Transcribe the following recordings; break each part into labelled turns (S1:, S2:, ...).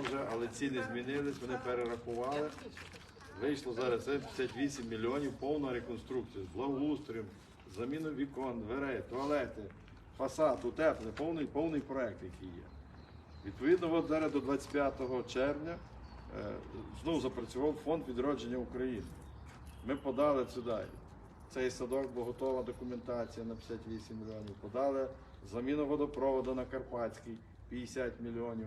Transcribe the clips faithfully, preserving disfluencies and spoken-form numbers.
S1: вже, але ціни змінились, вони перерахували. Вийшло зараз це п'ятдесят вісім мільйонів, повна реконструкція з благоустроєм, заміну вікон, дверей, туалети, фасад, утеплення, повний, повний проект, який є. Відповідно, от зараз до двадцять п'ятого червня е, знову запрацював фонд відродження України. Ми подали сюди цей садок, бо готова документація на п'ятдесят вісім мільйонів. Подали заміну водопроводу на Карпатський п'ятдесят мільйонів.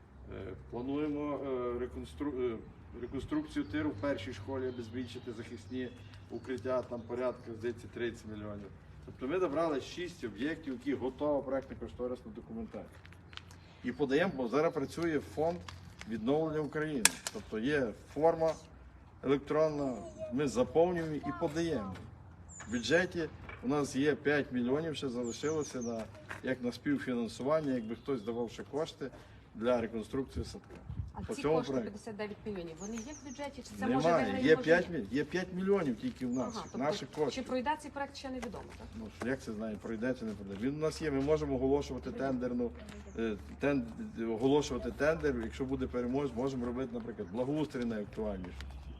S1: Е, плануємо е, реконстру... е, реконструкцію тиру в першій школі, аби збільшити захисні укриття, там порядка, здається, тридцять мільйонів. Тобто ми добрали шість об'єктів, які готова проектно-кошторисна документація. І подаємо, бо зараз працює фонд відновлення України. Тобто є форма електронна, ми заповнюємо і подаємо. В бюджеті у нас є п'ять мільйонів, ще залишилося на, як на співфінансування, якби хтось давав ще кошти для реконструкції садка.
S2: А
S1: По
S2: ці
S1: цьому
S2: кошти
S1: проекту.
S2: п'ятдесят дев'ять мільйонів, вони є в бюджеті? Чи це може
S1: Немає,
S2: виграє
S1: є
S2: може
S1: п'ять,
S2: ні?
S1: міль- є п'ять мільйонів тільки в нас,
S2: Ага, тобто,
S1: наших
S2: чи
S1: коштів.
S2: пройде цей проект, ще невідомо, так?
S1: Ну, що, як це знає, пройде чи не пройде. Він у нас є, ми можемо оголошувати тендерну, е, тен, оголошувати тендер, якщо буде переможець, можемо робити, наприклад, благоустрій найактуальніше.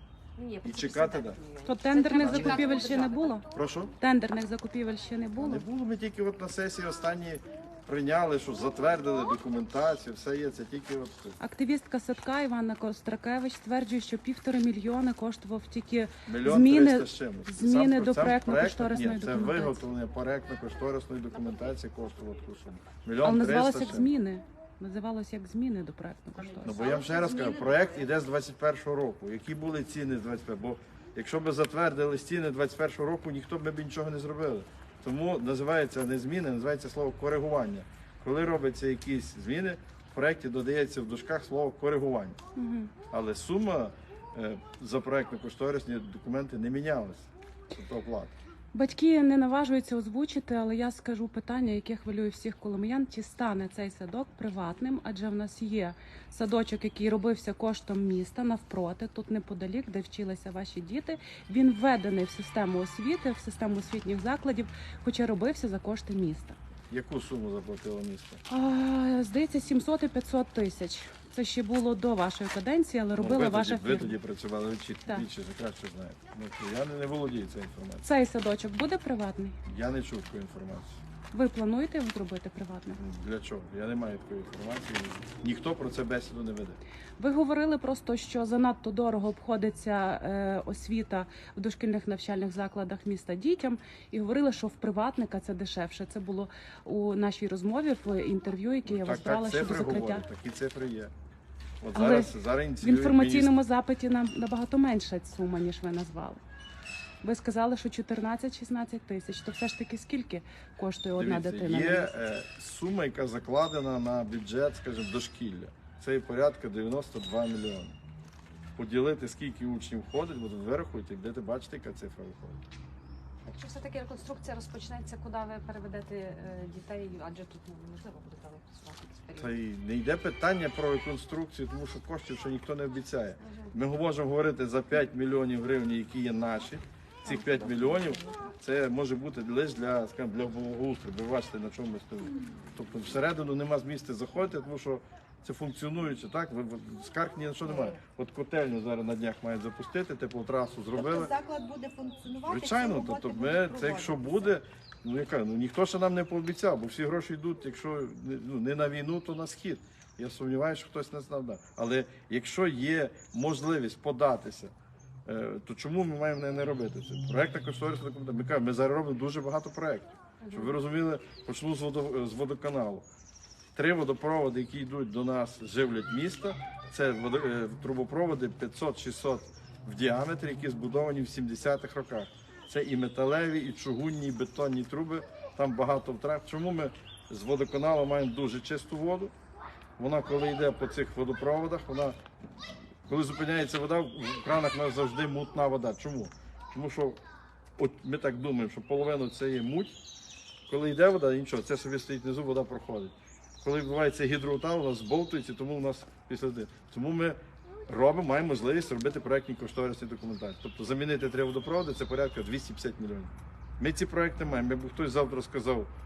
S2: Ні,
S1: І
S2: це
S1: чекати,
S2: п'ятдесят
S1: да.
S2: мільйонів.
S3: То
S2: Це
S3: тендерних
S2: треба чекати
S3: закупівель ще не
S2: держави,
S3: було?
S1: Прошу?
S3: Тендерних закупівель ще не було?
S1: Не було, ми тільки от на сесії останні прийняли, що затвердили документацію, все є, це тільки от.
S3: Активістка садка Іванна Костракевич стверджує, що півтори мільйони коштував тільки
S1: Мільйон
S3: зміни,
S1: триста з чимось.
S3: зміни
S1: Сам-
S3: до
S1: сам
S3: проектно-кошторисної
S1: проект, ні, це
S3: документації.
S1: виготовлення проектно-кошторисної документації коштувало таку суму. Мільйон
S3: Але
S1: триста
S3: називалося
S1: з
S3: як
S1: чимось.
S3: зміни. Називалося як зміни до
S1: Ну,
S3: проектно-кошторисної.
S1: бо я вам ще раз кажу, проект іде з двадцять першого року. Які були ціни з двадцять першого? Бо якщо б затвердили ціни двадцять першого року, ніхто б нічого не зробили. Тому називається не зміни, називається слово коригування. Коли робляться якісь зміни, в проєкті додається в дужках слово коригування.
S3: Мгм.
S1: Але сума е, за проєктно-кошторисні документи не мінялася. Тобто оплата.
S3: Батьки не наважуються озвучити, але я скажу питання, яке хвилює всіх коломиян. Чи стане цей садок приватним? Адже в нас є садочок, який робився коштом міста навпроти, тут неподалік, де вчилися ваші діти. Він введений в систему освіти, в систему освітніх закладів, хоча робився за кошти міста.
S1: Яку суму заплатило місто?
S3: А, здається, сімсот і п'ятсот тисяч. Це ще було до вашої каденції, але робила
S1: Ну, ви,
S3: ваша
S1: тоді, ви
S3: фірма.
S1: тоді працювали, ви чіт-
S3: Так.
S1: більше краще знаєте. Ну, що я не, не володію цією інформацією.
S3: Цей садочок буде приватний?
S1: Я не чув такої інформації.
S3: Ви плануєте його зробити приватним?
S1: Ну, Для чого? Я не маю такої інформації. Ніхто про це бесіду не веде.
S3: Ви говорили просто, що занадто дорого обходиться е, освіта в дошкільних навчальних закладах міста дітям, і говорили, що в приватника це дешевше. Це було у нашій розмові в інтерв'ю, яке я
S1: так,
S3: вас брала
S1: так,
S3: щодо
S1: цифри
S3: закриття.
S1: говорять, такі цифри є. От
S3: Але
S1: зараз, зараз
S3: В
S1: ініціюють
S3: інформаційному запиті нам набагато менша сума, ніж ви назвали. Ви сказали, що чотирнадцять-шістнадцять тисяч. То все ж таки скільки коштує одна
S1: Дивіться,
S3: дитина?
S1: є
S3: на місяць?
S1: е, сума, яка закладена на бюджет, скажімо, дошкілля. Це є порядка дев'яносто два мільйони. Поділити, скільки учнів входить, бо тут вирахуйте, де ти бачите, яка цифра виходить.
S2: Якщо все-таки реконструкція розпочнеться, куди ви переведете е, дітей, адже тут ну, неможливо буде там працювати якийсь
S1: Та
S2: період.
S1: й не йде питання про реконструкцію, тому що коштів ще ніхто не обіцяє. Ми можемо говорити за п'ять мільйонів гривень, які є наші. Цих п'ять мільйонів це може бути лише для, скажімо, для благоустрою. Ви бачите, на чому ми стоїмо. Тобто всередину нема змісту заходити, тому що це функціонуюче, так? Ви- ви- Скарг ні на що немає. От котельню зараз на днях мають запустити, теплотрасу зробили.
S4: Тобто заклад буде функціонувати?
S1: Звичайно,
S4: ці роботи
S1: тобто
S4: будуть
S1: ми це якщо
S4: проводитися?
S1: буде, ну яка ну ніхто ще нам не пообіцяв, бо всі гроші йдуть, якщо не- ну, не на війну, то на схід. Я сумніваюся, що хтось не знав. Да. Але якщо є можливість податися, е, то чому ми маємо не, не робити це? Проектна кошторисна документація. Ми кажемо, ми зараз робимо дуже багато проєктів. Щоб ви розуміли, почну з, водо, з водоканалу. Три водопроводи, які йдуть до нас, живлять місто. Це водо, е, трубопроводи п'ятсот-шістсот в діаметрі, які збудовані в сімдесятих роках. Це і металеві, і чугунні, і бетонні труби. Там багато втрат. Чому ми з водоканалу маємо дуже чисту воду? Вона, коли йде по цих водопроводах, вона, коли зупиняється вода, в кранах у нас завжди мутна вода. Чому? Тому що от ми так думаємо, що половину це є муть. Коли йде вода, нічого, це собі стоїть внизу, вода проходить. Коли відбувається гідроутал, у нас збовтується, тому у нас після води. Тому ми робимо, маємо можливість робити проєктні кошторисні документації. Тобто замінити три водопроводи це порядка двісті п'ятдесят мільйонів. Ми ці проєкти маємо. Якби хтось завтра сказав,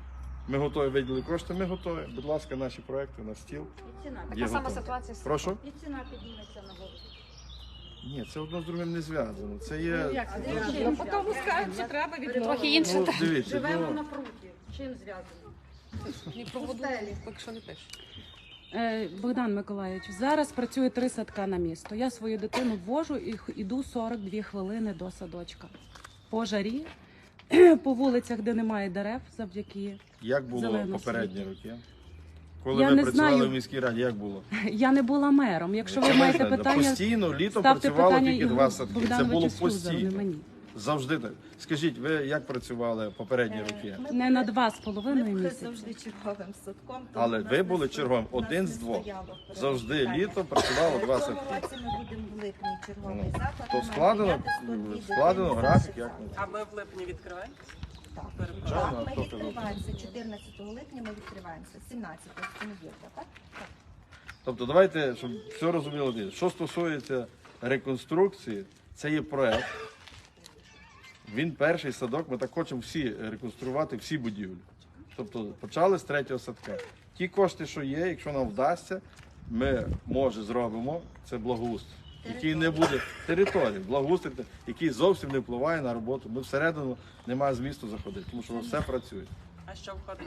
S1: Ми готові виділили кошти, ми готові. Будь ласка, наші проекти на стіл.
S4: Ціна.
S2: Така
S1: Є
S2: сама
S1: готові.
S2: ситуація з
S1: Прошу?
S4: І ціна підніметься на голову.
S1: Ні, це одно з другим не зв'язано. Це є.
S4: Як це
S1: ну,
S4: зв'язано?
S2: Ну, потім скажуть, що треба від
S4: Трохи
S2: трохи інше.
S1: ну, дивіться,
S4: Живемо
S1: ну,
S4: на пруті. Чим зв'язано?
S2: Ні, про воду
S4: Пустелі.
S2: поки що не пишуть.
S3: Е, Богдан Миколаївич, зараз працює три садка на місто. Я свою дитину ввожу і х- іду сорок дві хвилини до садочка. По жарі, по вулицях, де немає дерев, завдяки.
S1: як було
S3: Зелено
S1: попередні
S3: світло.
S1: роки? Коли
S3: Я
S1: ви
S3: не
S1: працювали
S3: знаю.
S1: в міській раді, як було?
S3: Я не була мером. Якщо ви
S1: Це
S3: маєте
S1: знаєте,
S3: питання,
S1: постійно літом
S3: ставте
S1: працювало
S3: питання
S1: тільки
S3: Ігорю
S1: два садки. Це
S3: Богдановичу
S1: було
S3: Слюзару, не
S1: постійно.
S3: мені.
S1: Завжди так. Скажіть, ви як працювали попередні роки?
S4: Ми
S3: Не на два з половиною
S4: Ми були
S3: місяці.
S4: завжди черговим садком. тому
S1: Але
S4: в нас
S1: ви
S4: не
S1: були
S4: сто-
S1: черговим,
S4: в нас
S1: один
S4: не
S1: з двох.
S4: стояло в порядку
S1: Завжди
S4: питання.
S1: літом працювало два
S4: В цьому
S1: садки.
S4: році ми будемо в липні черговий
S1: Ну,
S4: заклад.
S1: то
S4: Ми
S1: складено,
S4: маємо прийняти сто дві
S1: складено
S4: дитини
S1: графік,
S4: наших
S1: як
S4: закладів.
S5: А ми в липні відкриваємо?
S4: Так,
S1: Звичайно, а
S4: Так,
S1: хто
S4: ми
S1: казав?
S4: відкриваємося. чотирнадцятого липня ми відкриваємося. сімнадцятого це неділька, так? Так.
S1: Тобто давайте, щоб все розуміло. Що стосується реконструкції, це є проект. Він перший садок, ми так хочемо всі реконструювати, всі будівлі. Тобто почали з третього садка. Ті кошти, що є, якщо нам вдасться, ми, може, зробимо, це благоустрій. Який не буде території, благоустрій, який зовсім не впливає на роботу. Ми всередину немає змісту заходити, тому що все працює.
S5: А що входить?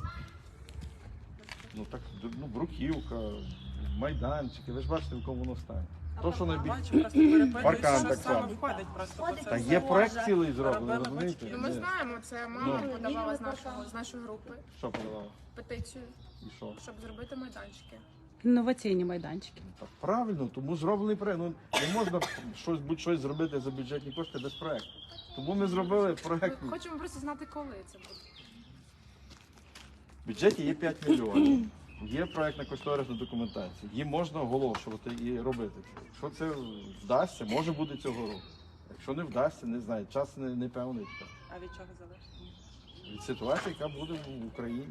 S1: Ну так, ну, бруківка, майданчики, ви ж бачите, в якому воно стані. То, що найбільше.
S5: Бачу, просто перепитую,
S1: Паркан
S5: що
S1: так
S5: саме
S1: само.
S5: входить просто по
S4: Входить
S1: Та
S5: цьому.
S1: є проект цілий зроблений,
S5: Робили
S1: розумієте?
S5: батьки.
S6: Ну, ми
S1: Ні.
S6: знаємо, це мама
S1: Ну.
S6: подавала з
S4: Лівий
S6: нашого
S4: паркан.
S6: з нашої групи
S1: Що подавали?
S6: петицію,
S1: І що?
S6: щоб зробити майданчики.
S3: Інноваційні майданчики.
S1: Так, правильно, тому зроблений проект. Ну, не можна щось, будь-щось зробити за бюджетні кошти без проекту. Тому ми зробили проект.
S6: Ми хочемо просто знати, коли це буде.
S1: В бюджеті є п'ять мільйонів. Є проектна кошторисна документація. Її можна оголошувати і робити це. Якщо це вдасться, може бути цього року. Якщо не вдасться, не знаю, час не, не певний.
S5: А від чого залежить?
S1: Від ситуації, яка буде в Україні.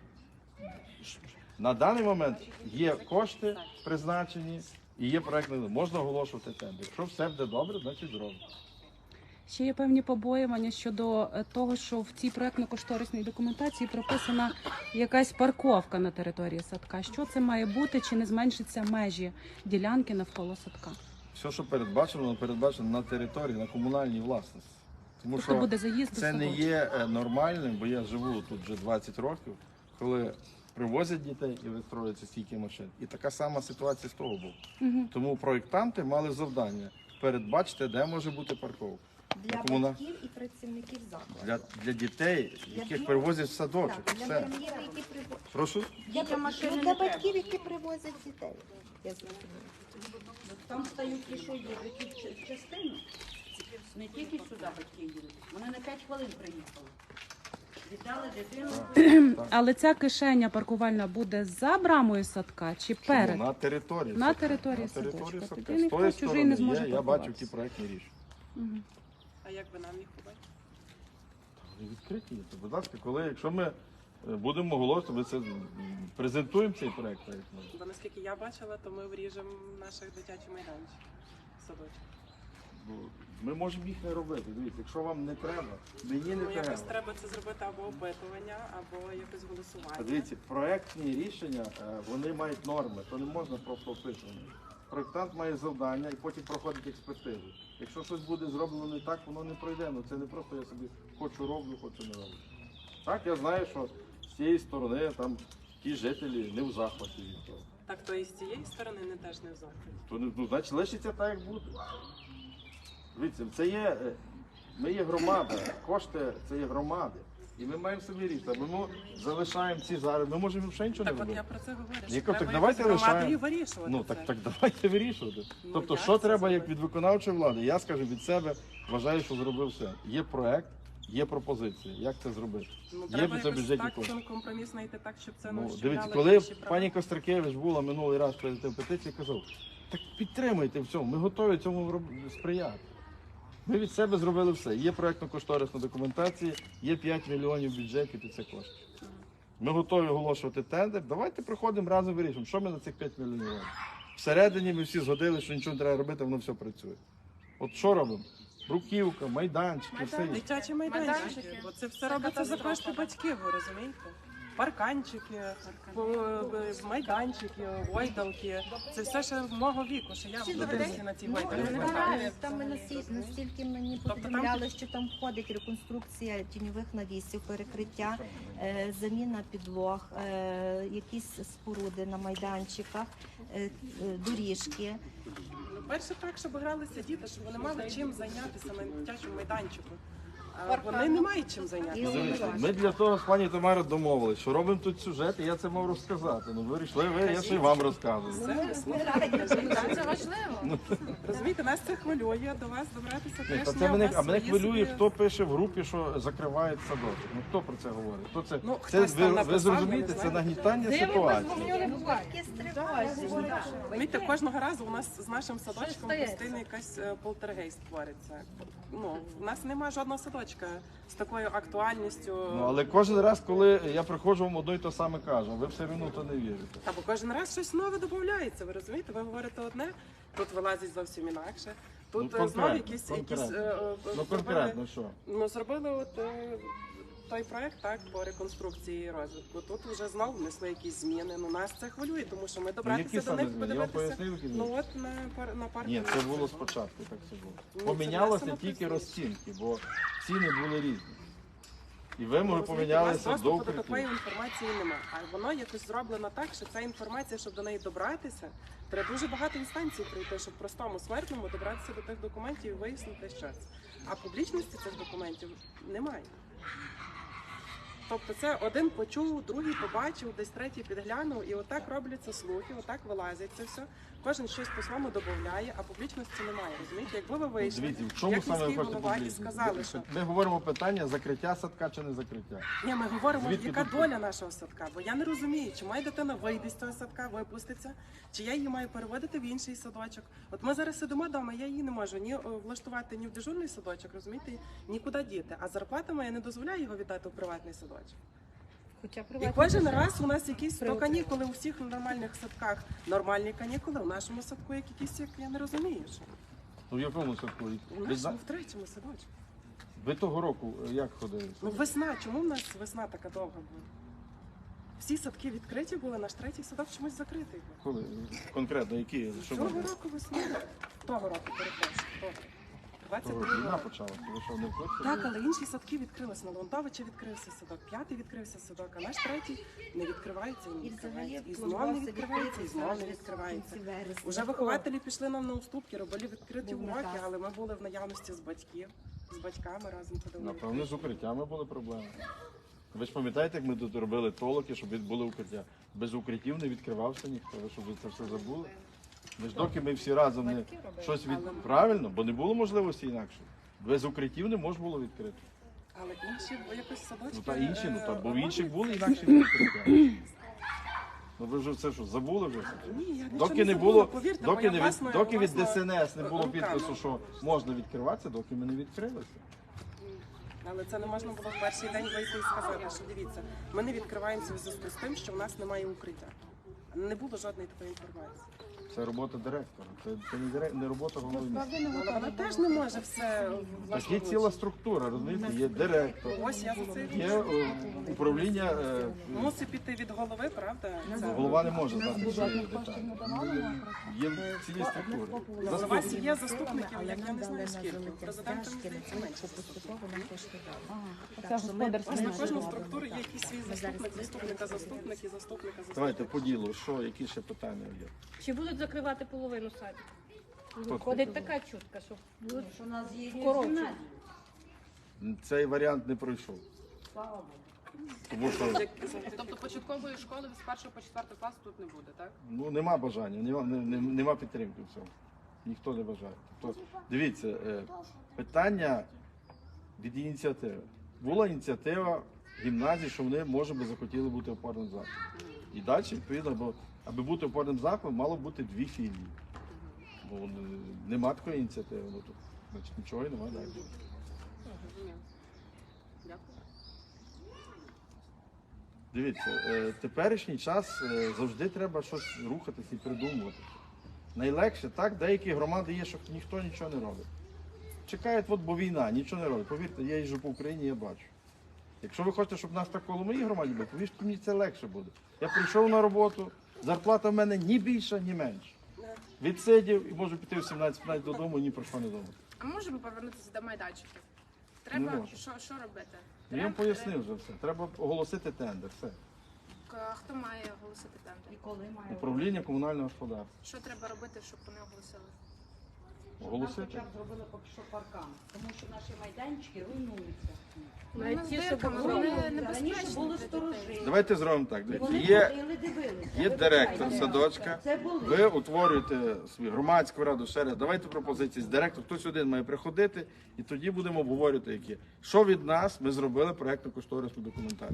S1: На даний момент є кошти призначені і є проектна. Можна оголошувати тендер. Якщо все буде добре, значить зробимо.
S3: Ще є певні побоювання щодо е, того, що в цій проектно-кошторисній документації прописана якась парковка на території садка. Що це має бути, чи не зменшиться межі ділянки навколо садка?
S1: Все, що передбачено, воно передбачено на території, на комунальній власності. Тому
S3: Тобто
S1: що
S3: буде заїзд до
S1: це не
S3: садочка.
S1: є е, нормальним, бо я живу тут вже двадцять років, коли привозять дітей і вистроюються стільки машин. І така сама ситуація з того боку.
S3: Мгм.
S1: Тому проєктанти мали завдання передбачити, де може бути парковка.
S4: Для
S1: Комуна-
S4: батьків і працівників закладу.
S1: Для, для дітей, яких
S4: Для-
S1: привозять в садочок.
S4: Так, для
S1: Все.
S4: батьків, які привозять.
S1: Прошу?
S4: Для, батьків, для батьків, які привозять дітей. Я зрозуміла.
S7: Там стають ті, що їдуть ті ч- частину. Не тільки сюди батьки їдуть. Вони на п'ять хвилин приїхали. Віддали дитину.
S3: Але ця кишеня паркувальна буде за брамою садка чи
S1: Чому?
S3: перед?
S1: На території.
S3: На
S1: садка.
S3: території
S1: на території
S3: садочка.
S1: садка.
S3: Тоді
S1: З
S3: ніхто
S1: тої
S3: чужий
S1: сторони
S3: не зможе
S1: є, я бачив
S3: паркуватися.
S1: ті проектні рішення.
S3: Мгм.
S5: А як би нам їх побачити?
S1: Вони відкриті є. То, будь ласка, коли, якщо ми е, будемо оголошувати, ми це м, презентуємо цей проект. так, ну.
S5: Бо наскільки я бачила, то ми вріжемо наших дитячі майданчики. Садочок.
S1: Бо Ми можемо їх не робити. Дивіться, якщо вам не треба, мені не
S5: Ну якось
S1: треба.
S5: треба це зробити або опитування, або якось голосування.
S1: А Дивіться, проектні рішення, е, вони мають норми, то не можна просто описувати. Проектант має завдання і потім проходить експертизу. Якщо щось буде зроблено не так, воно не пройде. Ну це не просто я собі хочу роблю, хочу не роблю. Так, я знаю, що з цієї сторони там ті жителі не в захваті від того.
S5: Так, то і з цієї сторони не теж не в захваті.
S1: То не- ну, значить лишиться так, як буде. Дивіться, це є, е, ми є громада, кошти це є громади. І ми маємо собі рішити. Ми залишаємо ці зараз. Ми можемо ще нічого не
S5: Так от
S1: робити.
S5: я про це говорю. що
S1: Ніко, так
S5: треба
S1: давайте
S5: якось громадою
S1: лишаємо.
S5: вирішувати
S1: Ну
S5: це.
S1: так, так давайте вирішувати.
S5: Ну,
S1: Тобто,
S5: як
S1: що
S5: це
S1: треба як
S5: зробити?
S1: від виконавчої влади? Я скажу від себе, вважаю, що зробив все. Є проект, є пропозиція. Як це зробити?
S5: Ну,
S1: Є
S5: треба
S1: б це
S5: якось
S1: бюджетні
S5: так
S1: кошти.
S5: цим компроміс знайти так, щоб це
S1: Ну,
S5: не
S1: дивіться,
S5: ущемляло
S1: коли
S5: інші права.
S1: пані Костракевич була минулий раз перед тим петиції, казав, так підтримуйте в цьому, ми готові цьому роб- сприяти. Ми від себе зробили все. Є проєктно-кошторисна документація, є п'ять мільйонів в бюджеті під це кошти. Ми готові оголошувати тендер. Давайте приходимо разом вирішимо, що ми на цих п'ять мільйонів робимо. Всередині ми всі згодили, що нічого не треба робити, воно все працює. От що робимо? бруківка, майданчики, все є.
S5: Дитячі майданчики.
S6: Майданчики.
S5: Бо це все робиться за кошти батьків, ви розумієте? Парканчики, по- е, майданчики, гойдалки. Це все ще мого віку, що я вчилася на цій гойдалці.
S4: Там, там ми насі- настільки мені
S5: Тобто там
S4: повідомляли, що там входить реконструкція тіньових навісів, перекриття, е, заміна підлог, е, якісь споруди на майданчиках, е, е, доріжки.
S5: Ну, перше так, щоб гралися діти, щоб вони мали чим зайнятися на дитячому майданчику. А вони не мають чим зайнятися.
S1: Дивіться, ми для того з пані Тамарою домовились, що робимо тут сюжет, і я це мав розказати. Ну ви вирішили, ви, я ще й вам розказую.
S5: Все, ми слухаємо.
S2: Це важливо.
S5: Розумієте, нас це хвилює, до вас добратися
S1: Ні,
S5: теж.
S1: та
S5: ні,
S1: це
S5: у
S1: мене,
S5: вас
S1: а мене
S5: свої
S1: хвилює,
S5: собі-
S1: хто пише в групі, що закривають садочок. Ну хто про це говорить? Хто це?
S5: Ну,
S1: це
S5: хтось там
S1: ви, ви
S5: написав,
S1: зрозумієте,
S5: я не
S1: це
S5: знаю.
S1: нагнітання ситуації.
S4: Батьки стривожені.
S5: Розумієте, кожного разу у нас з нашим садочком постійно якась е, полтергейст твориться. Ну, у нас немає жодного садочка з такою актуальністю.
S1: Ну але кожен раз, коли я приходжу, вам одно й те саме кажу, ви все одно то не вірите.
S5: Та бо кожен раз щось нове додається, ви розумієте? Ви говорите одне, тут вилазить зовсім інакше. Тут
S1: Ну,
S5: е, знову
S1: конкретно,
S5: якісь, якісь
S1: конкретно.
S5: е, е,
S1: Ну
S5: зробили-
S1: конкретно що?
S5: Ну, зробили от е, той проект так по реконструкції і розвитку. Тут вже знову внесли якісь зміни. Ну нас це хвилює, тому що ми
S1: Ну,
S5: добратися
S1: які
S5: до
S1: саме
S5: них,
S1: зміни? Я вам
S5: подивитися.
S1: пояснив, які
S5: Ну
S1: зміни?
S5: от на пар на парку.
S1: Ні, це було спочатку, так це було.
S5: Ну, це
S1: Помінялося
S5: внесено
S1: тільки
S5: пізніше.
S1: розцінки, бо ціни були різні. І вимоги
S5: Розумієте, у
S1: помінялися
S5: вас
S1: до
S5: доступу до такої
S1: укриттів.
S5: інформації немає. А воно якось зроблено так, що ця інформація, щоб до неї добратися, треба дуже багато інстанцій пройти, щоб простому смертному добратися до тих документів і вияснити, що це. А публічності цих документів немає. Тобто це один почув, другий побачив, десь третій підглянув, і отак робляться слухи, отак вилазять це все. Кожен щось по-своєму додає, а публічності немає. Розумієте, якби ви вийшли,
S1: Дивіться, в чому
S5: як
S1: саме ви
S5: міський
S1: хочете
S5: голова і
S1: публічно?
S5: сказали, що
S1: Ми говоримо питання закриття садка чи не закриття.
S5: ні, ми говоримо,
S1: Звідки
S5: яка
S1: тут-
S5: доля нашого садка, бо я не розумію, чи моя дитина вийде з цього садка, випуститься, чи я її маю переводити в інший садочок. От ми зараз сидимо вдома, я її не можу ні о, влаштувати ні в дежурний садочок, розумієте, нікуди діти. А зарплата моя не дозволяє його віддати в приватний садочок.
S4: Хоча
S5: І кожен раз у нас якісь то канікули у всіх нормальних садках, нормальні канікули, у нашому садку як якісь, як я не розумію. Що.
S1: Ну в якому садку?
S5: У
S1: Ви,
S5: нашому
S1: зна-
S5: в третьому садочку.
S1: ви того року е, як ходили?
S5: Ну весна, чому в нас весна така довга була? Всі садки відкриті були, наш третій садок чомусь закритий був.
S1: Коли? Конкретно які? Що
S5: Цього
S1: ви?
S5: року весною. Того року, перепрошую. Того.
S1: Того
S5: двадцять
S1: року
S5: другого
S1: війна
S5: року.
S1: почалася. Ви що, не в курсі?
S5: Так, але інші садки відкрилися. На Леонтовича відкрився садок, п'ятий відкрився садок, а наш третій не відкривається і не
S4: І взагалі
S5: відкривається. І знов не відкривається, і знов не відкривається. Уже вихователі пішли нам на уступки, робили відкриті
S4: Був
S5: уроки,
S4: наказ.
S5: але ми були в наявності з батьків, з батьками разом ходили.
S1: Напевно, з укриттями були проблеми. Ви ж пам'ятаєте, як ми тут робили толоки, щоб були укриття? Без укриттів не відкривався ніхто. Ви щоб ви це все забули? Ми ж доки ми всі разом не щось від... Правильно, бо не було можливості інакше. Без укриттів не можна було відкрити.
S5: Але інші якось садочки...
S1: Ну та інші, ну та бо в
S5: е,
S1: інших
S5: роблять.
S1: були інакші відкриття. Ну ви вже це що, забули вже?
S5: Ні, я нічого
S1: Доки не
S5: забула,
S1: було,
S5: повірте,
S1: доки
S5: моя
S1: не від,
S5: власна-
S1: доки від
S5: власна
S1: ДСНС не було
S5: руками.
S1: підпису, що можна відкриватися, доки ми не відкрилися.
S5: Але це не можна було в перший день вийти і сказати, що дивіться, ми не відкриваємося в зв'язку з тим, що в нас немає укриття. Не було жодної такої інформації.
S1: Це робота директора, це, це не, дирек- не робота голови міста.
S5: Але вона теж не може все
S1: Так є
S5: влаштовувати.
S1: ціла структура, розумієте, є директор,
S5: Ось я за це і
S1: є
S5: кажу.
S1: е, управління, е,
S5: Мусить піти від голови, правда? Це-
S1: голова не може знати всі деталі. Є цілі структури.
S5: У вас
S1: Заступник.
S5: є заступників, як я не знаю скільки. Президента мені здається менше.
S3: Це господарська
S5: Ось на кожну структуру є якийсь свій заступник, заступника, заступник і заступника, заступника.
S1: Давайте по ділу, що, які ще питання є?
S8: Чи будуть закривати половину садів?
S1: Хто
S8: Ходить така чутка, що будуть
S7: Що у нас є
S8: коротше.
S1: Цей варіант не пройшов. Тому що
S9: Тобто початкової школи з першого по четвертий клас тут не буде, так?
S1: ну, нема бажання, нема, не- не- нема підтримки в цьому. Ніхто не бажає. Тобто, дивіться, е, питання від ініціативи. Була ініціатива гімназії, що вони, може би, захотіли бути опорним закладом. І далі, відповідно, бо аби бути опорним закладом, мало бути дві філії. Бо е, нема такої ініціативи, ну, тут, значить, нічого і немає далі.
S9: Розумію. Дякую.
S1: Дивіться, е, теперішній час е, завжди треба щось рухатись і придумувати. Найлегше, так, деякі громади є, що ніхто нічого не робить. чекають, от, бо війна, нічого не роблять. Повірте, я їжджу по Україні, я бачу. Якщо ви хочете, щоб нас так коло моїй громаді було, повірте, мені це легше буде. Я прийшов на роботу, зарплата в мене ні більша, ні менша. Відсидів і можу піти в сімнадцять-п'ятнадцять додому, ні про що не думати.
S9: А можемо повернутися до майданчиків?
S1: Не
S9: Треба
S1: можу.
S9: що, що робити?
S1: Я їм
S9: Треба-
S1: пояснив вже все. Треба оголосити тендер. Все.
S9: К- Хто має оголосити тендер?
S7: І коли має
S1: Управління комунального господарства.
S9: Що треба робити, щоб вони оголосили?
S7: Нам
S1: Оголосити.
S7: хоча б зробили поки що паркан, тому що наші майданчики руйнуються.
S9: Вони
S8: Навіть
S9: з
S8: ті, що
S9: дирками,
S8: були.
S9: вони
S7: Раніше
S9: небезпечні
S7: були
S9: для
S7: сторожі.
S9: дітей.
S1: Давайте зробимо так.
S7: І
S1: Дивіться,
S7: вони
S1: Є,
S7: ходили, дивилися.
S1: є директор
S7: Вибачайте,
S1: садочка.
S7: Це були.
S1: ви утворюєте свою громадську раду, ще раз. Давайте пропозиції з директор. Хтось один має приходити, і тоді будемо обговорювати, які. Що від нас ми зробили проєктно-кошторисну документацію.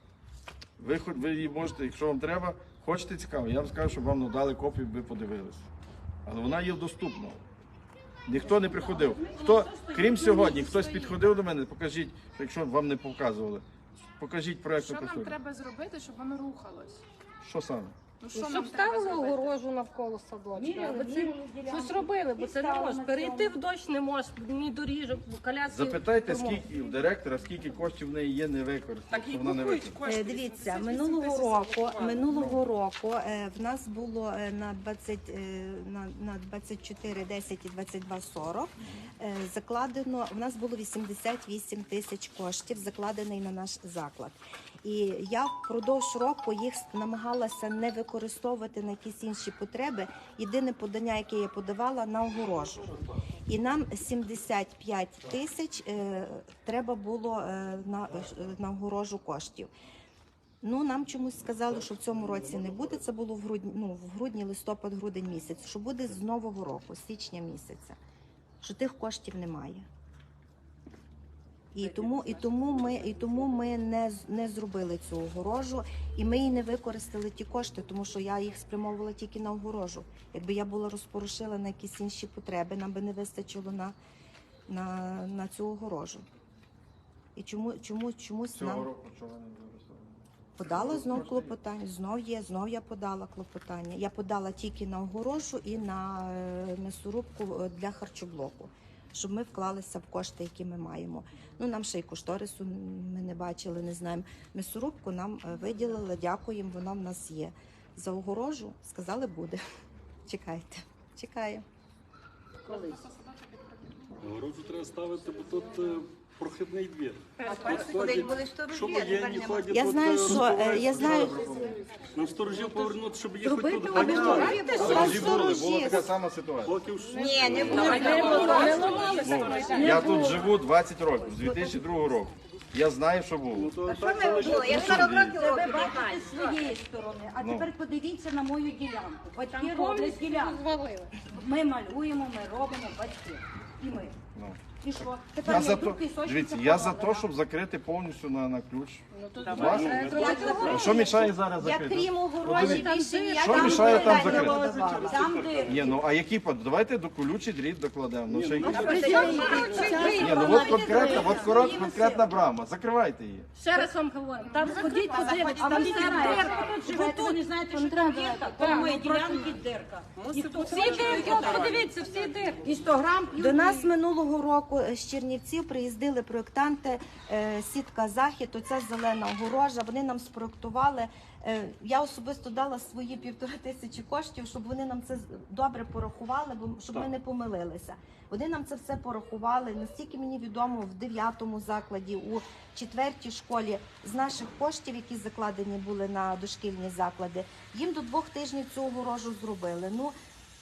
S1: Ви, хоч- ви її можете, якщо вам треба, хочете цікаво, я вам скажу, щоб вам надали копію, ви подивилися. Але вона є доступна. Ніхто не приходив. Хто, крім сьогодні, хтось підходив до мене, покажіть, якщо вам не показували, покажіть проєктну
S9: Що нам
S1: кошторисну.
S9: треба зробити, щоб воно рухалось?
S1: Що саме?
S9: Ну, що
S8: Щоб
S9: нам треба
S8: ставили
S9: зробити?
S8: огорожу навколо садочка,
S7: Міряли,
S8: аби це
S7: міряли ділянку.
S8: щось робили, бо
S7: І
S8: це не
S7: стали
S8: можна.
S7: на
S8: Перейти
S7: цьому.
S8: в дощ не можна, ні доріжок, бо коляски.
S1: Запитайте,
S8: тормозять.
S1: скільки у директора, скільки коштів в неї є не використано,
S5: Так і
S1: що вона не
S5: купують
S1: використана.
S5: кошти.
S4: Е, Дивіться,
S5: вісімдесят вісім
S4: минулого
S5: тисяч
S4: року,
S5: зарахували.
S4: минулого року е, в нас було е, на двадцять е, на, на двадцять чотири десять і двадцять два сорок е, закладено. В нас було вісімдесят вісім тисяч коштів закладений на наш заклад. І я впродовж року їх намагалася не використовувати на якісь інші потреби. Єдине подання, яке я подавала, на огорожу. І нам сімдесят п'ять тисяч е, треба було е, на, е, на огорожу коштів. Ну, нам чомусь сказали, що в цьому році не буде. Це було в грудні, ну, в грудні, листопад, грудень місяць. Що буде з нового року, з січня місяця. Що тих коштів немає. І тому, і тому ми, і тому ми не, з- не зробили цю огорожу, і ми і не використали ті кошти, тому що я їх спрямовувала тільки на огорожу. Якби я була розпорушила на якісь інші потреби, нам би не вистачило на, на, на цю огорожу. І чому, чому, чомусь
S1: Цього
S4: нам
S1: року чого не використовували?
S4: подала знов клопотання, знов є, знов я подала клопотання. Я подала тільки на огорожу і на е, м'ясорубку е, для харчоблоку, щоб ми вклалися в кошти, які ми маємо. Ну, нам ще й кошторису ми не бачили, не знаємо. М'ясорубку нам е, виділили, дякуємо, вона в нас є. За огорожу сказали, буде. Чекайте, чекаємо.
S7: Колись.
S10: Огорожу треба ставити, бо тут е, прохідний двір.
S4: Тут
S10: були Що воєнні ходять.
S4: Я
S10: тут,
S4: знаю,
S10: е,
S4: що е, я знаю,
S10: Нам сторожів повернути, щоб їх
S4: Зробити
S10: хоч тут
S4: огорожу.
S10: ганяли.
S1: Сторожі були, була така сама ситуація.
S10: Поки в
S4: ні, не було.
S1: Ну, я тут живу двадцять років, з дві тисячі другого року. Я знаю, що було.
S10: то так залишиться.
S4: Я сорок років
S7: Це ви бачите з своєї сторони, а
S1: Ну.
S7: тепер подивіться на мою ділянку. Батьки
S8: Там
S7: роблять
S8: повністю
S7: ділянку.
S8: розвалили.
S7: Ми малюємо, ми робимо, батьки. І ми.
S1: Ну.
S7: І що?
S1: Я
S7: Тепер
S1: за
S7: йду
S1: то,
S7: пісочниця
S1: дивіться, я за
S7: поробила.
S1: те, щоб закрити повністю на, на ключ.
S5: Давай.
S1: Ваш? А що мішає зараз
S4: Я
S1: закрити?
S4: крім огорожі більше ніяк
S1: Що
S4: там
S1: мішає там
S4: питань не
S1: закрити?
S4: подавала.
S7: Там, де
S1: Ні, ну а які под- давайте до колючий дріт докладемо. Ну, ще якісь-
S8: Ні,
S1: Ні, ну от конкретна, от корот- конкретна брама. Закривайте її.
S8: Ще раз вам говорю, там сходіть, подивитися,
S7: А
S8: там
S7: ви
S8: все
S7: знаєте,
S8: дирка.
S7: тут живете, ви не знаєте, що там дірка. По моїй ділянці дирка. Ніхто
S8: Всі дирки, от подивіться, всі дирки.
S7: І сто грам
S4: До нас минулого року з Чернівців приїздили проєктанти, е, сітка Захід, оця зелена огорожа. Вони нам спроєктували. Е, Я особисто дала свої півтори тисячі коштів, щоб вони нам це з- добре порахували, бо щоб ми не помилилися. Вони нам це все порахували. Настільки мені відомо, в дев'ятому закладі, у четвертій школі з наших коштів, які закладені були на дошкільні заклади, їм до двох тижнів цю огорожу зробили. Ну,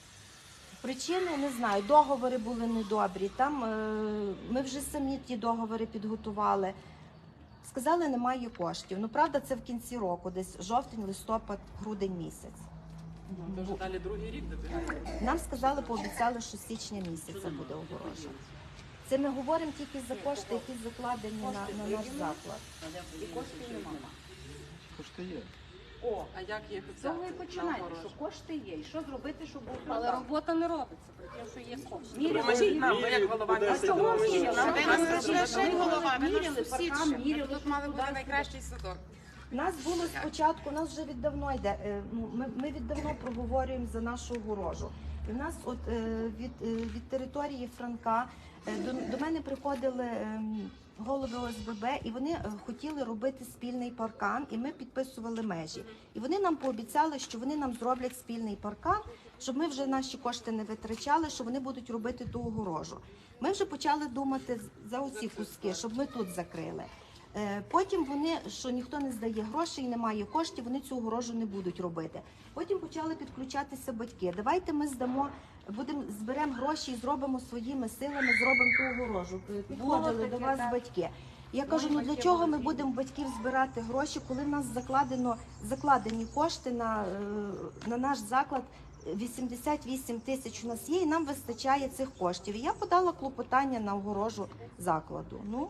S4: причини не знаю, договори були недобрі. Там е, ми вже самі ті договори підготували. Сказали, немає коштів. Ну, правда, це в кінці року, десь жовтень, листопад, грудень місяць.
S5: Дуже далі другий рік добігає.
S4: Нам сказали, пообіцяли, що з січня місяця буде огорожа. Це ми говоримо тільки за кошти, які закладені на, на наш заклад.
S7: і коштів немає.
S1: Кошти є.
S7: О,
S5: А як їх
S7: з цього і
S5: взяти?
S7: починаєте,
S5: Наоборот.
S7: що кошти є. І що зробити, щоб був
S8: Але
S7: продав?
S8: робота не робиться, при тому, що є кошти.
S7: Міряли,
S5: Поможіть нам, ви як голова
S10: По десять
S5: міста.
S7: Чого
S10: гривень.
S7: міряли?
S5: Нам
S7: Нам
S5: треба
S7: треба
S5: зробити.
S9: голова, ви наш
S7: Міряли,
S9: сусід
S7: паркан,
S9: ще.
S7: міряли,
S9: Тут мали бути
S7: туди.
S9: найкращий садок.
S4: У нас було спочатку, у нас вже віддавно йде. е, Ну, ми, ми віддавно проговорюємо за нашу огорожу. І в нас от е, від, е, від території Франка е, до, до мене приходили е, голови О С Б Б, і вони е, хотіли робити спільний паркан, і ми підписували межі. І вони нам пообіцяли, що вони нам зроблять спільний паркан, щоб ми вже наші кошти не витрачали, що вони будуть робити ту огорожу. Ми вже почали думати за оці куски, щоб ми тут закрили. Е, Потім вони, що ніхто не здає грошей, немає коштів, вони цю огорожу не будуть робити. Потім почали підключатися батьки. Давайте ми здамо, будемо зберемо гроші і зробимо своїми силами, зробимо ту огорожу. Е, Підходили до вас батьки. Я кажу, ну для чого ми будемо батьків збирати гроші, коли в нас закладено закладені кошти на, е, на наш заклад. вісімдесят вісім тисяч у нас є, і нам вистачає цих коштів. І я подала клопотання на огорожу закладу. Ну,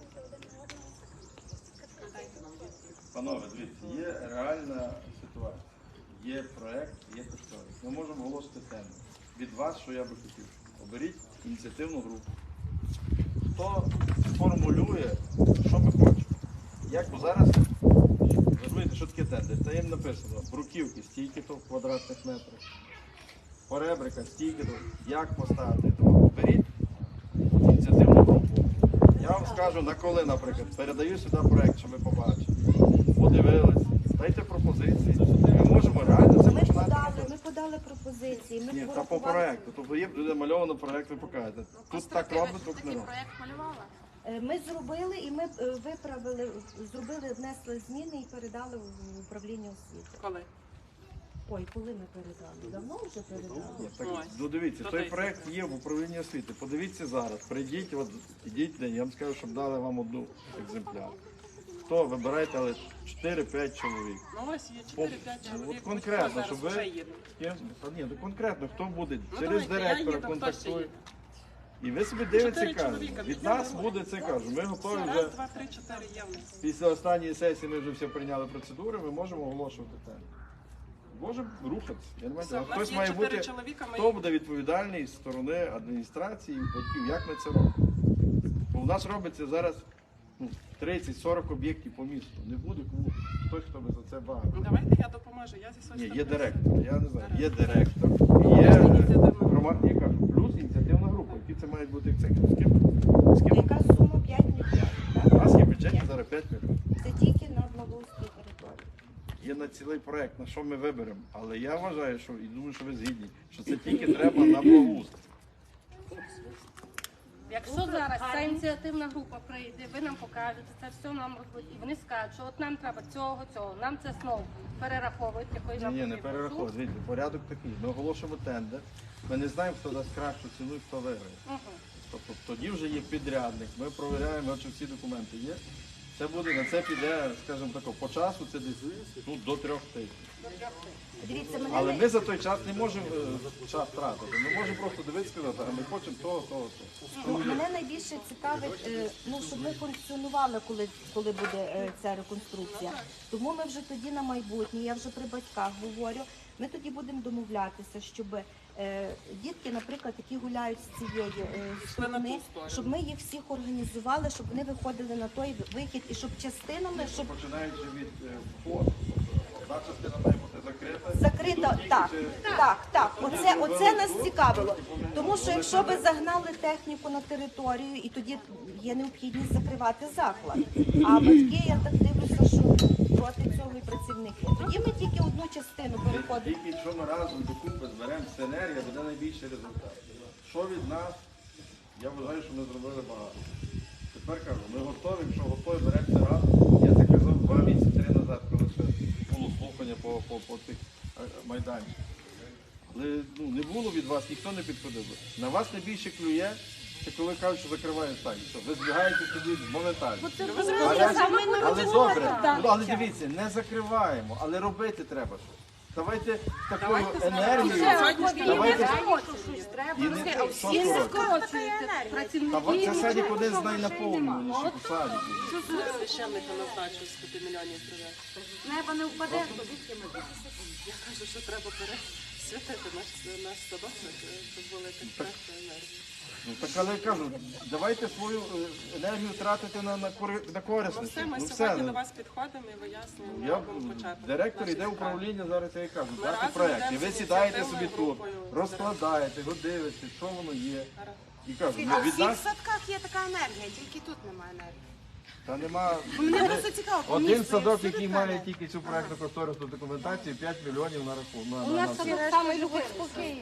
S1: Панове, дивіться, є реальна ситуація. Є проект, є кошторис. Ми можемо оголосити тему. Від вас, що я би хотів, оберіть ініціативну групу. Хто сформулює, що ми хочемо. Як бо зараз, розумієте, що таке тендер? Та їм написано, бруківки стільки-то в квадратних метрах, поребрика стільки-то, як поставити. Тому беріть ініціативну групу. Я вам скажу, на коли, наприклад, передаю сюди проект, що ми побачили. Подивились, дайте пропозиції. Ми можемо реально це
S4: ми
S1: починати.
S4: подали, ми подали пропозиції. Ми
S1: Ні, та по
S4: порахували.
S1: проекту. Тобто є буде мальовано проект, ви покажете. Тут так робить, тут не
S9: Такий
S1: робить.
S9: проєкт малювала.
S4: Е, Ми зробили і ми е, виправили, зробили, внесли зміни і передали в управління освіти.
S5: Коли?
S4: Ой, коли ми передали? Давно вже передали?
S1: Ні, так,
S5: Ось.
S1: ну дивіться,
S5: То
S1: той
S5: десь.
S1: проект є в управлінні освіти. Подивіться зараз, прийдіть, от, ідіть, я вам скажу, щоб дали вам одну екземпляр. Хто вибирайте, але чотири-п'ять чоловік.
S5: Ну ось є чотири-п'ять
S1: От
S5: чоловік.
S1: конкретно,
S5: Хто
S1: щоб
S5: зараз
S1: ви-
S5: вже їде?
S1: Ким? Та ні, ну конкретно, хто буде
S5: Ну,
S1: через
S5: давайте, я
S1: директора
S5: їду, хто ще
S1: контактує.
S5: їде?
S1: І ви собі дивитеся,
S5: Чотири
S1: кажете,
S5: чоловіка,
S1: від
S5: підемо
S1: нас
S5: нормально.
S1: буде це кажу. Ми готові
S5: Все,
S1: вже
S5: раз, два, три, чотири є в нас.
S1: після останньої сесії. Ми вже все прийняли процедури. Ми можемо оголошувати тему. Можемо рухатися. Я не маю.
S5: Все,
S1: А
S5: в нас
S1: хтось
S5: є
S1: має
S5: чотири
S1: бути.
S5: чоловіка, ми
S1: Хто буде відповідальний з сторони адміністрації, батьків, як ми це робимо? Бо в нас робиться зараз ну, тридцять-сорок об'єктів по місту. Не буде кому хтось, хто би за це багато.
S5: Ну, давайте я допоможу. Я зі своєї
S1: Ні, є
S5: сторони.
S1: директор, я не знаю, є
S5: Директор.
S1: директор, і є
S5: Ініціативна група.
S1: громадська, я кажу, плюс ініціативна група, які це мають бути як з ким? З ким?
S4: Яка сума п'ять мільйонів?
S1: У
S4: Так?
S1: нас є в бюджеті зараз п'ять мільйонів.
S4: Це тільки на Благоустрій території.
S1: Є на цілий проект, на що ми виберемо. Але я вважаю, що і думаю, що ви згідні, що це тільки треба на благоустрій.
S8: Якщо зараз ця ініціативна група прийде, ви нам покажете, це все нам робить, і вони скажуть, що от нам треба цього, цього, нам це знову перераховують, якої
S1: Ні,
S8: нам
S1: ні, не
S8: потрібно.
S1: перераховуй. Дивіться, порядок такий. Ми оголошуємо тендер. Ми не знаємо, хто дасть кращу ціну і хто виграє.
S8: Мгм.
S1: Тобто тоді вже є підрядник. Ми провіряємо, чи всі документи є. Це буде, на це піде, скажімо так, по часу це десь ну, до трьох тижнів.
S4: Дивіться, мене
S1: Але
S4: не-
S1: ми за той час не можемо е, час втратити. Ми можемо просто дивитися і сказати, а ми хочемо того, того, того.
S4: Ну, мене найбільше цікавить, е, ну, щоб ми функціонували, коли, коли буде е, ця реконструкція. Тому ми вже тоді на майбутнє, я вже при батьках говорю, ми тоді будемо домовлятися, щоб е, дітки, наприклад, які гуляють з цієї е,
S5: Пішли на ту
S4: сторони,
S5: сторону.
S4: щоб ми їх всіх організували, щоб вони виходили на той вихід і щоб частинами, щоб
S1: Починаючи від е, входу, тобто одна частина має бути закрита.
S4: закрита,
S1: Тут тільки
S4: так,
S1: через-
S4: так, так. Оце, оце нас цікавило. Тому що якщо ви загнали техніку на територію, і тоді є необхідність закривати заклад. А батьки, я так дивлюся, що проти цього і працівники. Тоді ми тільки одну частину переходимо.
S1: Тільки якщо ми разом докупи зберемо синергія, буде найбільший результат. Що від нас, я вважаю, що ми зробили багато. Тепер кажу, ми готові, якщо готові, беремо це разом. Я це казав два місяці три назад, коли ще було слухання по, по, по тих е, майданчиках. Але ну, не було від вас, ніхто не підходив. На вас найбільше клює, це коли кажуть, що закривають сайт. Що ви збігаєте тоді моментально. Але, але добре, ну, але дивіться, не закриваємо, але робити треба щось. Давайте такою енергією. Давайте і не що
S8: І не
S1: скоро.
S8: скорочуєте
S1: Та
S8: працівників.
S1: це садик один з найнаповнюваніших у садіку.
S5: Священника назначив з п'яти мільйонів привезти.
S8: Неба не впаде, то звідки ми будемо?
S5: Я кажу, що треба пере... освятити наш, наш садочок, щоб була якась краща енергія.
S1: Ну так, але я кажу, давайте свою е, енергію тратити на, на, кори- на
S5: Ну
S1: корисності.
S5: все, ми
S1: Ну,
S5: сьогодні
S1: ну.
S5: до вас підходимо і вияснюємо,
S1: Я,
S5: робимо початок.
S1: директор
S5: нашої
S1: йде в
S5: справи.
S1: управління, зараз я і кажу,
S5: Ми
S1: дати
S5: разом
S1: проєкт. І
S5: йдемо
S1: ви
S5: з
S1: сідаєте
S5: ініціативною
S1: собі тут,
S5: групою з
S1: розкладаєте, його дивитесь, що воно є.
S5: Гаразд.
S1: І кажу,
S9: А
S1: ну,
S9: в
S1: від
S9: всіх
S1: нас
S9: садках є така енергія, тільки тут немає енергії.
S1: та нема.
S9: Мене просто цікаво, по
S1: Один
S9: місту є
S1: садок,
S9: всюди
S1: який
S9: така
S1: має
S9: енергія.
S1: тільки цю проєктну кошторисну документацію, п'ять мільйонів на рахунок. На,
S8: У
S1: на,
S8: нас
S1: на,
S8: садок самий любить
S9: Всюди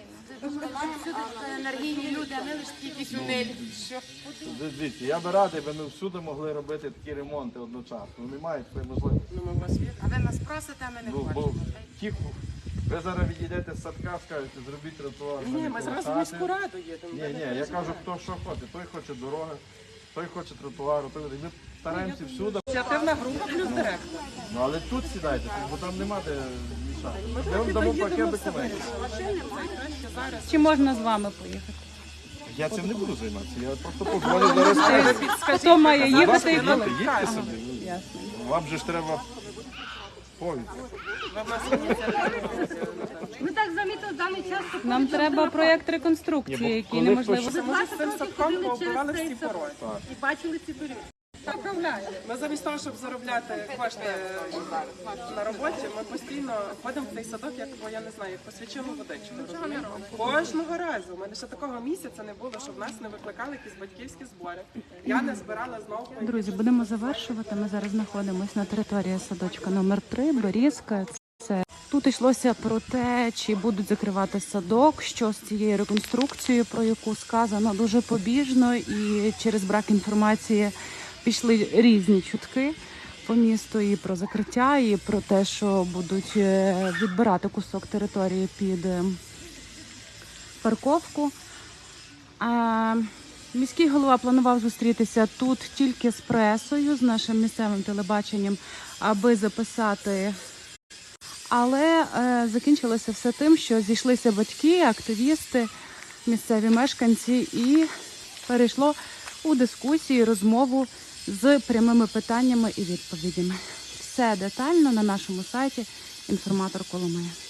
S9: енергійні люди, а ми лише якісь унелі. Що?
S1: Дивіться, я би радий, би ми всюди могли робити такі ремонти одночасно. Ну, немає такої можливості.
S5: Ну, ми в вас віримо.
S9: А ви нас просите, а ми не
S1: Ну, бо
S9: хочемо.
S1: ті, ви зараз відійдете з садка, скажете, зробіть тротуар.
S5: Ні,
S1: самі
S5: ми
S1: коло
S5: зразу в
S1: хати.
S5: міську раду їдемо.
S1: Ні, ні, я кажу, хто що хоче. Той хоче дороги, той хоче тротуару, той ми стараємося всюди.
S5: Ініціативна група плюс директор.
S1: Ну але тут сідайте, бо там нема де мішати.
S5: Ми
S1: Ми вам дамо
S5: доїдемо
S1: пакет
S5: все
S1: документів.
S5: вирішимо. Найкраще зараз.
S3: Чи можна з вами поїхати?
S1: Я цим не буду займатися. Я просто позвоню зараз. скажу.
S3: Хто має їхати і
S1: Будь
S3: коли?
S1: ласка, їдьте, їдьте собі.
S3: Ясно.
S1: Вам же ж треба повідь.
S5: Ви в нас ініціативна група.
S8: Ми так замітили в даний час, що
S3: Нам треба проєкт реконструкції,
S1: Ні, бо
S3: який
S1: коли
S3: неможливо.
S1: хтось-
S5: Це може з цим садком пооббивали всі пороги.
S8: і бачили ці доріжки.
S5: Ми замість того, щоб заробляти кошти на роботі, ми постійно ходимо в цей садок, як, бо я не знаю, як посвячену водичку. розумієте? Кожного разу. У мене ще такого місяця не було, щоб нас не викликали якісь батьківські збори. Я не збирала знову.
S3: Друзі, будемо завершувати. Ми зараз знаходимося на території садочка номер три Берізка. Це тут йшлося про те, чи будуть закривати садок, що з цією реконструкцією, про яку сказано дуже побіжно, і через брак інформації пішли різні чутки по місту і про закриття, і про те, що будуть е, відбирати кусок території під е, парковку. А міський голова планував зустрітися тут тільки з пресою, з нашим місцевим телебаченням, аби записати. Але е, закінчилося все тим, що зійшлися батьки, активісти, місцеві мешканці, і перейшло у дискусію, розмову з прямими питаннями і відповідями. Все детально на нашому сайті «Інформатор Коломия».